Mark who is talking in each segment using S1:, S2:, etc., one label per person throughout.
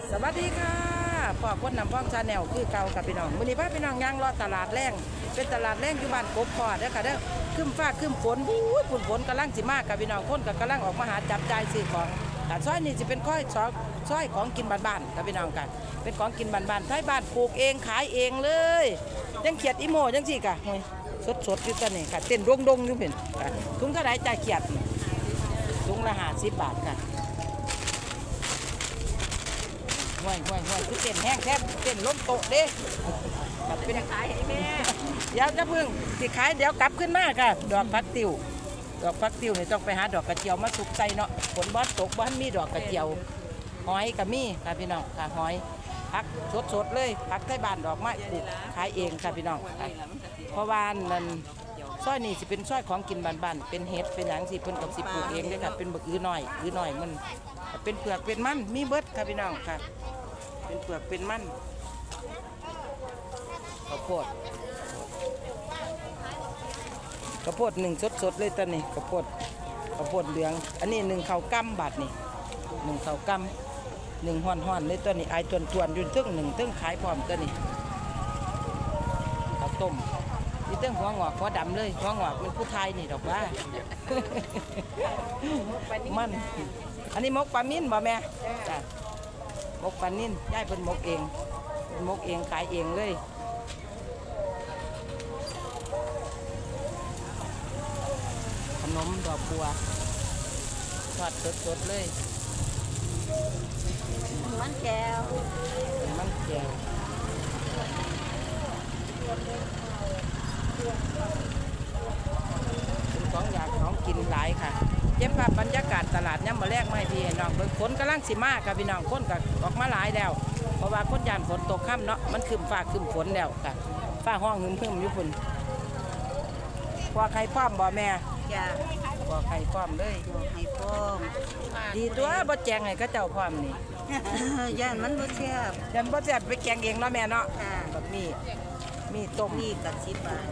S1: สวัสดีค่ะพ่อคนนำพ้องชาแนลคือเก่ากับพี่น้องมื้อนี้พาพี่น้องย่างรอตลาดแรงเป็นตลาดแรงอยู่บ้านกบพอเด้อค่ะเด้อขึ้นฟ้าขึ้นฝนฝนกำลังสิมากกับพี่น้องคนก็กำลังออกมาหาจับจ่ายซื้อของแต่ซอยนี้จะเป็นซอยของกินบ้านๆกับพี่น้องกันเป็นของกินบ้านๆไทยบ้านปลูกเองขายเองเลยยังเขียดอีโมยังสิกะสดอยู่ตัวนี้ค่ะเต้นดงอยู่เห็นค่ะถุงเท่าไหร่จ่ายเขียดถุงละ50 บาทค่ะห่วยคือเต้นแห้งแทบเต้นล้มโตะเด้เป็นขายให้แม่เดี๋ยวจะพึ่งสิขายเดี๋ยวกลับขึ้นมาค่ะดอกพักติวนี่ต้องไปหาดอกกระเจียวมาสุกใส่เนาะฝนบอสตกบ้านมีดอกกระเจียวหอยกับมีค่ะพี่น้องค่ะหอยพักสดเลยพักใต้บ้านดอกไม้ปลูกขายเองค่ะพี่น้องค่ะเพราะว่านั่นซอยนี่สิเป็นซอยของกินบ้านๆเป็นเห็ดเป็นหยังสิเพิ่นกับสิปลูกเองเลยค่ะเป็นบักอื้อหน่อยมันเป็นเปลือกเป็นมันมีเบิดค่ะพี่น้องค่ะเป็นเปลือกเป็นมันข้าวโพดหนึ่งสดเลยตอนนี้ข้าวโพดเหลืองอันนี้1ข้าวกำบาทนี่1ข้าวกำ1ห่อนเลยตัวนี้ไอจวนอยู่ตึ้งตึ้งขายพร้อมตัวนี้ข้าวต้มนี่ตึ้งหัวงอกหัวดำเลยหัวงอกมันผู้ไทยนี่ดอกว่ามันอันนี้มกปลามิ้นบ่แม่จ้ะมกปลานิ่นย่ายเป็นมกเองขายเองเลยขนมดอกบัวทอดสดเลย
S2: มันแก้ว
S1: เป็นของอยากของกินหลายค่ะเย็บภาพบรรยากาศตลาดย่ำมาแรกไม่พี่น้องเบิ่งฝนกำลังสิมาค่ะพี่น้องคนก็ออกมาหลายแล้วเพราะว่าคนยานฝนตกค่ำเนาะมันคืมฟ้าคืมฝนแล้วค่ะฟ้าห้องหึมอยู่พุ่นพอไข่ป้อมบ่แม่
S2: จ้า
S1: พอไข่ป้อมเลย
S2: ให้พร้อม
S1: ดีตัวบ่แจงให้เขาเจ้าพร้อมนี่
S2: ย่านมันบ่แซ่บ
S1: ยันบ่แซ่บไปแกงเองเนาะแม่เนาะแบบนี้มีต้ม
S2: นี่กับ10 บาท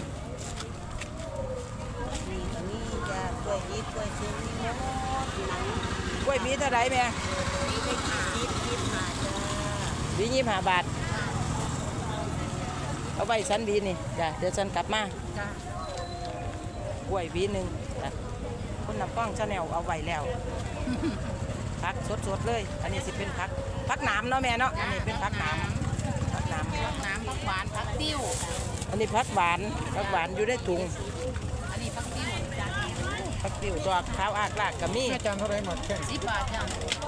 S2: นี่จ้ากล้วยยิบกล้วยเชื่อมนี่หมด
S1: กล้วยมีเท่าไหร่แม่
S2: นี่ไป25จ้า
S1: วี25 บาทเอาไว้ฉันวีนี่จ้ะเดี๋ยวฉันกลับมา
S2: จ้
S1: ากล้วยวีนึงจ้ะคนนำป้องชาแนลเอาไว้แล้วผักสดเลยอันนี้สิเป็นผักหนามเนาะแม่เนาะอันนี้เป็นผักหนามผัก
S2: หวานผักติ้ว
S1: อันนี้ผักหวานอยู่ในถุง
S2: อันนี้ผักติ้ว
S1: ดอกขาวอากลากกับมี
S3: จานเท่าไรหมดแค่
S2: 10 บาทจ้า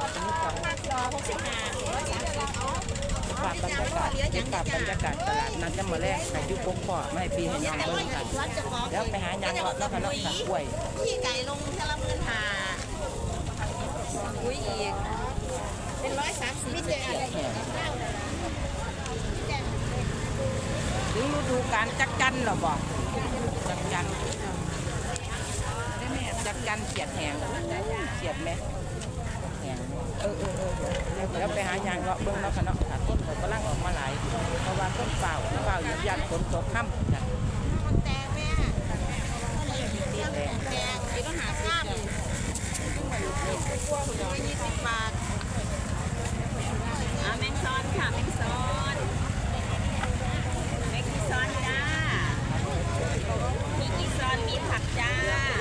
S1: ภาพบรรยากาศตลาดนัดจะมาแรกไก่ยุกกพ่อไม่ปีให้น้องเบิ้งกันแล้วไปหายางเลาะแล้วก็เลาะกล้วย
S2: พี่ไก่ลงเทละ15,000อุ้ยอีกเป็น130พี่เจ๊
S1: ถึงฤดูการจักจันหรอบอกจักจันเขียดแหงเขียดไหมแหงแล้วไปหายางเลาะเบิ้งแล้วกันเนาะต้นเขากำลังออกมาหลายเพราะว่าต้นเปล่ายันฝนตกค่ำจ้ะ
S2: แตงแม่แตงอีกก็หาข้าม20 บาทแมงซอนค่ะแมงซอนจ้ามีกีซอนมีผักจ้า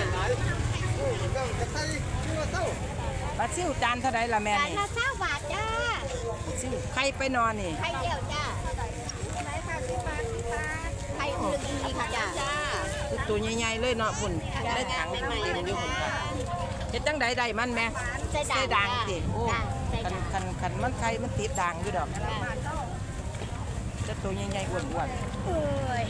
S1: ปลาซิ่วจานเท่าไรล่ะแม่นี่
S2: จานละ20 บาทจ้า
S1: ซิ่วไข่ไปนอนนี่
S2: ไข่เดียวจ้าไข่อุ่นอีกจ้า
S1: ตัวใหญ่ๆเลยเนาะพุ่นได้ถังเต็มอยู่พุ่นค่ะเฮ็ดจังใดมันแม่ใส่ด่างสิโอ้คันมันไข่มันติดด่างอยู่ดอกจะตัวใหญ่ๆอ้วน
S2: ๆโอ้ย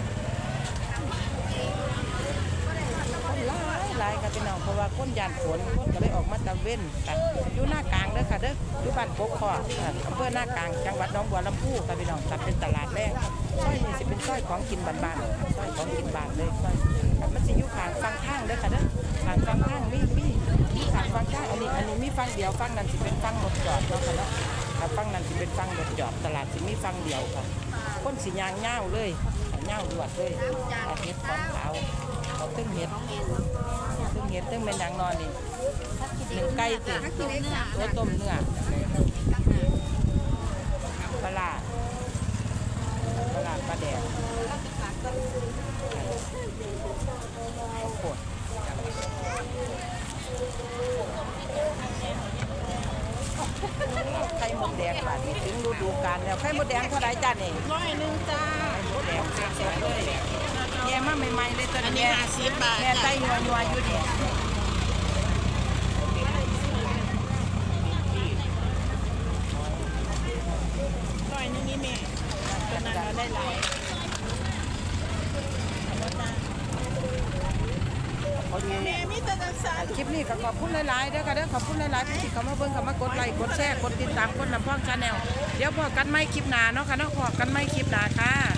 S1: หลายกับพี่น้องเพราะว่าคนยานฝนคนก็เลยออกมาตะเว้นกันอยู่หน้ากลางเด้อค่ะเด้ออยู่บ้านกกคออำเภอหน้ากลางจังหวัดหนองบัวลำพูค่ะพี่น้องเป็นตลาดแรกซอยนี้สิเป็นซอยของกินบ้านๆซอยของกินบ้านเลยซอยมันสิอยู่ข้างฟังข้างเด้อค่ะเด้อข้างฟังข้างมีข้างฟังข้างอันนี้มีฟังเดียวฟังนั้นสิเป็นฟังรถจอดเนาะค่ะเนาะฟังนั้นสิเป็นฟังรถจอดตลาดสิมีฟังเดียวค่ะคนสิยางเง่าเลยเง่าดวดเลยเห็ดของขาวเขาตึ้งเห็ดตึ้งเป็นอย่างนอนนี่1 ไก่ติตัวต้มเนื้อที่ถึงฤดูกาลแล้วไข่มดแดงเท่าไหร่จ้านี่
S2: 100จ้า
S1: ไข่มดแดงสดๆเลยแย่มาใหม่ๆเลยตัว
S2: อัน
S1: นี้
S2: นี้50 บาท
S1: แม่ไต้ยัวๆอยู่นี่
S2: ร้อยนึงนี่แม่ตอนนั้นเราได้หลาย แม่มีแต่จังซั่น
S1: คลิปนี้ก็ขอบคุณหลายๆเด้อค่ะเด้อขอบคุณหลายๆที่เข้ามาเบิ่งเข้ามากดไลค์กดแชร์กดติดตามกดน้ำพ่องชาแนลเดี๋ยวพอกันไม่คลิปหน้าเนาะค่ะเนาะพอกันไม่คลิปหน้าค่ะ